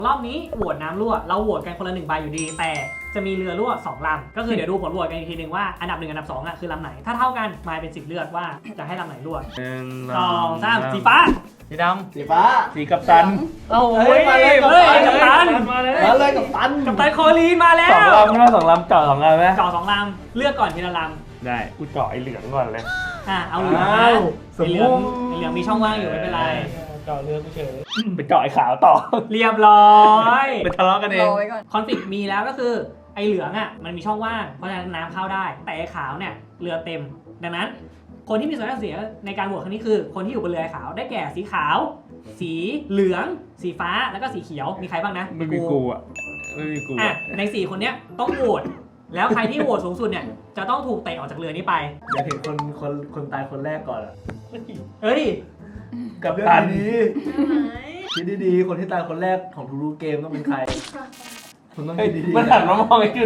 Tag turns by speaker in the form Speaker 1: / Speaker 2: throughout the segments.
Speaker 1: รอบนี้โหวตน้ำรั่วเราโหวตกันคนละ1ใบอยู่ดีแต่จะมีเรือรั่ว2ลำก็คือเดี๋ยวดูผลโหวตกันอีกทีนึงว่าอันดับ1อันดับ2อ่ะคือลำไหนถ้าเท่ากันมายเป็นสิทธิ์เลือกว่าจะให้ลำไหนรั่ว 2 3สีฟ้า
Speaker 2: สีด
Speaker 3: สีฟ้า
Speaker 2: ำสีกัปตัน
Speaker 1: โอ้
Speaker 3: เฮ้ยมาเลยกัปตัน
Speaker 1: กัปตัน
Speaker 2: มาเลย
Speaker 3: มาเลยกับตัน
Speaker 1: กัปตันโคลีนมาแล้
Speaker 2: สอง
Speaker 1: ว
Speaker 2: ลำนะสองลำเจาะสองลำไหม
Speaker 1: เจาะ2ลำเลือกก่อนทีละล
Speaker 2: ได้กูเจาะไอ้เหลืองก่อนเลย
Speaker 1: ำเอาเหลืองนะ
Speaker 3: อ้าวส
Speaker 1: ไอ
Speaker 3: ม
Speaker 1: เหลื
Speaker 3: มุ
Speaker 1: อง
Speaker 3: ติ
Speaker 1: ไอเหลืองมีช่องว่างอยู่ไม่เป็นไร
Speaker 2: เจาะเรือกูเฉยไปเจาะไอ้ขาวต่อ
Speaker 1: เรียบร้อย
Speaker 2: ไปทะเลาะกันเอง
Speaker 4: รอไว้ก่อน
Speaker 1: คอนฟ lict มีแล้วก็คือไอเหลืองอ่ะมันมีช่องว่างเพราะฉะนั้นน้ำเข้าได้แต่ไอขาวเนี่ยเรือเต็มดังนั้น คนที่มีส่วนได้เสียในการโหวตครั้งนี้คือคนที่อยู่บนเรือขาวได้แก่สีขาว สีเหลือง สีฟ้าแล้วก็สีเขียวมีใครบ้างนะ
Speaker 2: ไม่มีกูอ่ะไม่มีกู
Speaker 1: อ่ะ
Speaker 2: อ่ะ
Speaker 1: ใน4คนเนี้ยต้องโหวตแล้วใครที่โหวตสูงสุดเนี่ยจะต้องถูกเตะออกจากเรือนี้ไป
Speaker 3: อยากเห็นคนตายคนแรกก่อนอะ
Speaker 1: เฮ้ย
Speaker 3: กับเรื่องนี้คิดดีๆคนที่ตายคนแรกของทุกๆเกมต้องเป็นใครคุณต้องคิดดีๆ
Speaker 2: มันหันมามองไอ้จุด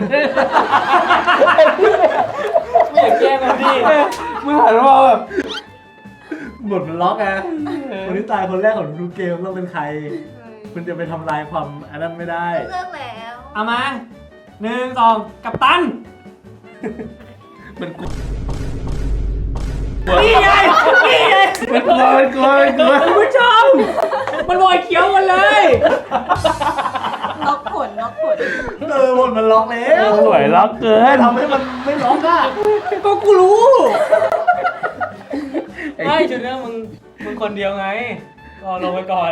Speaker 2: ไม่อยากแกล้งมันดิมึงหันมามองแบบ
Speaker 3: บทมันล็อกไงคนที่ตายคนแรกของทุกๆเกมต้องเป็นใคร คุณจะไปทำลายความอันนั้นไม่ได้
Speaker 4: เลือกแล้ว
Speaker 1: เอามา1 2กัปตัน
Speaker 2: มันกู
Speaker 1: นี่ไงนี่ไง
Speaker 2: มันกลัวมันกลัวมันกลัว
Speaker 1: คุณผู้ชมมันบอยเขียวกันเลย
Speaker 4: ล็อกผล
Speaker 3: บทมันล็อกแล้ว
Speaker 2: สวยล็อกเกิน
Speaker 3: ทำให้มันไม่ล็อกอ่ะ
Speaker 1: ก็กูรู้
Speaker 2: ไม่จุดนี้มึงคนเดียวไงก็ลงไปก่อน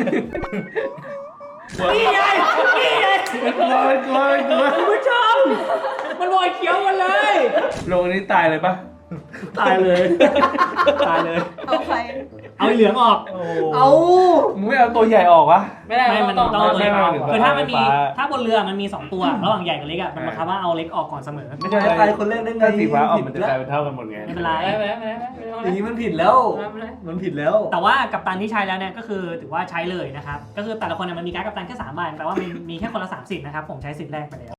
Speaker 1: นี่ไงนี่ไง
Speaker 2: มันกลัวมันกลัวมันกลัว
Speaker 1: คุณผู้ชมมันบอยเขียวกันเลย
Speaker 2: ลงอันนี้ตายเลยปะ
Speaker 3: ตายเลย
Speaker 1: ตายเลย
Speaker 4: เอาใคร
Speaker 1: เอาไอ้เหลืองออก
Speaker 3: เอา
Speaker 2: มึงไม่เอาตัวใหญ่ออกวะ
Speaker 1: ไม่มันต้องเอาตัวเล็กออก
Speaker 2: ไม่
Speaker 1: คือถ้ามันมี
Speaker 2: ฟ้า
Speaker 1: ถ้าบนเรือมันมี2ตัวระหว่างใหญ่กับเล็กอ่ะมันบังคับว่าเอาเล็กออกก่อนเสมอ
Speaker 2: ไม่ใช่
Speaker 3: ตายคนแรกได้ไง
Speaker 2: ถ้าสีฟ้าออกมันจะกลายเป็นเท่ากันหมดไง
Speaker 1: ไม่เป็นไร
Speaker 3: อย่างนี้มันผิดแล้ว มันผิดแล้ว
Speaker 1: แต่ว่ากัปตันที่ใช้แล้วเนี่ยก็คือถือว่าใช้เลยนะครับก็คือแต่ละคนเนี่ยมันมีการ์ดกัปตันแค่3 ใบแปลว่ามีแค่คนละ3 สิทธิ์นะครับผมใช้สิทธิ์แรกไปแล้ว